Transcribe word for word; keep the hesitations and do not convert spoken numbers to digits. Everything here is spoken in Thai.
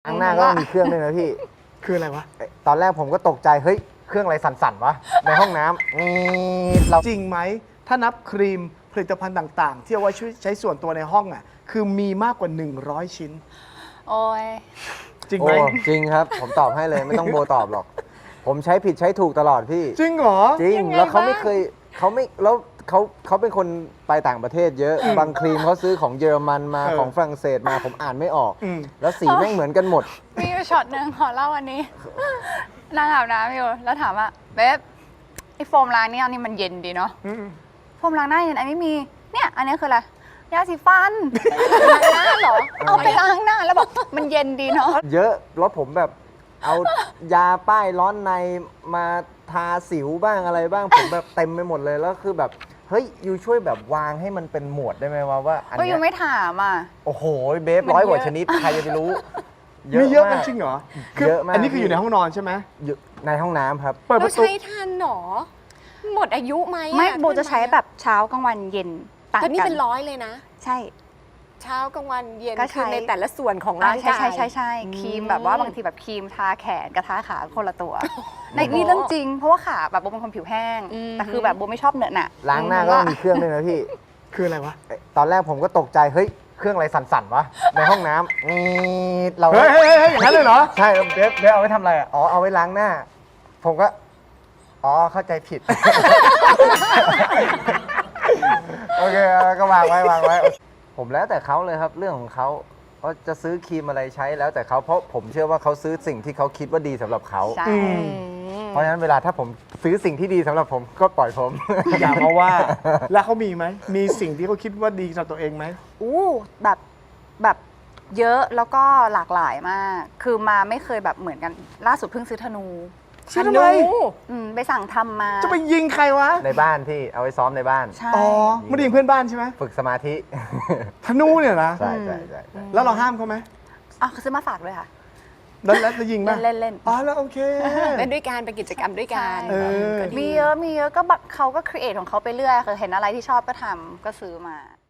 ข้างหน้าก็มีเครื่องด้วยนะพี่คืออะไรวะตอนแรกผมก็ตกใจ เฮ้ย เครื่องอะไรสั่นๆวะ ในห้องน้ำนี่เราจริงไหม ถ้านับครีมผลิตภัณฑ์ต่างๆ ที่เอาไว้ช่วยใช้ส่วนตัวในห้องอ่ะ คือมีมากกว่า หนึ่งร้อย ชิ้นโอ้ยจริงโอ้ไหมจริงครับ ผมตอบให้เลยไม่ต้องโบตอบหรอก ผมใช้ผิดใช้ถูกตลอดพี่จริงเหรอจริงยังไงแล้วเขาบ้างไม่เคยเขาไม่แล้วเขาเขาเป็นคนไปต่างประเทศเยอะ บางครีมเขาซื้อของเยอรมันมาเออของฝรั่งเศสมาผมอ่านไม่ออกอืมแล้วสีแม่งเหมือนกันหมดมีอยู่ช็อตหนึ่งขอเล่าวันนี้ นั่งอาบน้ำอยู่แล้วถามว่าเบ๊บไอโฟมล้างนี่อันนี้มันเย็นดีเนาะอืมโฟมล้างหน้าเย็นอันนี้มีเนี่ยอันนี้คืออะไรยาสีฟันล้างหน้าเหรอเอาไปล้างหน้าแล้วบอกมันเย็นดีเนาะเยอะแล้วผมแบบเอายาป้ายร้อนในมาทาสิวบ้างอะไรบ้าง ผมแบบเต็มไปหมดเลยแล้วคือแบบเฮ้ยยูช่วยแบบวางให้มันเป็นหมวดได้ไหมวะว่าอันก็เนี้ยังยไม่ถามอ่ะโอ้โหเบฟมันร้อยกว่าเยอะชนิดใครจะไปรู้มีเยอะกันากจริงเหรอเยอะมากอันนี้คืออยู่ในห้องนอนใช่ไหมอยู่ในห้องน้ำครับเปิดปเราระตูใช้ทันหรอ หมดอายุไหมอไม่ขึ้นโบจะใช้แบบเช้ากลางวันเย็นต่างแต่นี่กัเป็นร้อยเลยนะใช่เช้ากลางวันเย็นก็ใช้คือในแต่ละส่วนของอ่าร่างใช่กายใช่ใช่ใช่ครีมแบบว่าบางทีแบบครีมทาแขนกับทาขาคนละตัวในนี่เรื่องจริง เพราะว่าขาแบบโบเป็นคนผิวแห้ง แต่คือแบบโบไม่ชอบเหนอะหนะล้างหน้าก็มีเครื่องด้วยนะพี่คืออะไรวะตอนแรกผมก็ตกใจ เฮ้ย เครื่องอะไรสั่นๆวะ ในห้องน้ำนี่เราเฮ้ยเฮ้ยเฮ้ยอย่างนั้นเลยเหรอใช่เบฟเบฟเอาไว้ทำอะไรอ่ะอ๋อ เอาไว้ล้างหน้า ผมก็ อ๋อ เข้าใจผิด โอเคแล้วก็วางไว้วางไว้ ผมแล้วแต่เขาเลยครับเรื่องของเขาว่าจะซื้อครีมอะไรใช้แล้วแต่เขาเพราะผมเชื่อว่าเขาซื้อสิ่งที่เขาคิดว่าดีสำหรับเขาใช่อืมเพราะฉะนั้นเวลาถ้าผมซื้อสิ่งที่ดีสำหรับผมก็ปล่อยผมอย่ามาว่า แล้วเขามีไหม มีสิ่งที่เขาคิดว่าดีสำหรับตัวเองไหมอู้แบบแบบเยอะแล้วก็หลากหลายมาก คือมาไม่เคยแบบเหมือนกัน ล่าสุดเพิ่งซื้อธนูซื้อทำไมอืมไปสั่งทำมาจะไปยิงใครวะในบ้านพี่เอาไว้ซ้อมในบ้านใช่อ๋อไม่ได้ยิงเพื่อนบ้านใช่ไหมฝึกสมาธิธนูเนี่ยนะใช่ใช่ใช่ใช่แล้วเราห้ามเขาไหมอ๋อเขาซื้อมาฝากด้วยค่ะแล้วแล้วจะยิงไหมเล่นเล่นอ๋อแล้วโอเคเล่นด้วยกันเป็นกิจกรรมด้วยกันเออก็ดีมีเยอะมีเยอะก็แบบเขาก็ครีเอทของเขาไปเรื่อยคือเห็นอะไรที่ชอบก็ทำก็ซื้อมา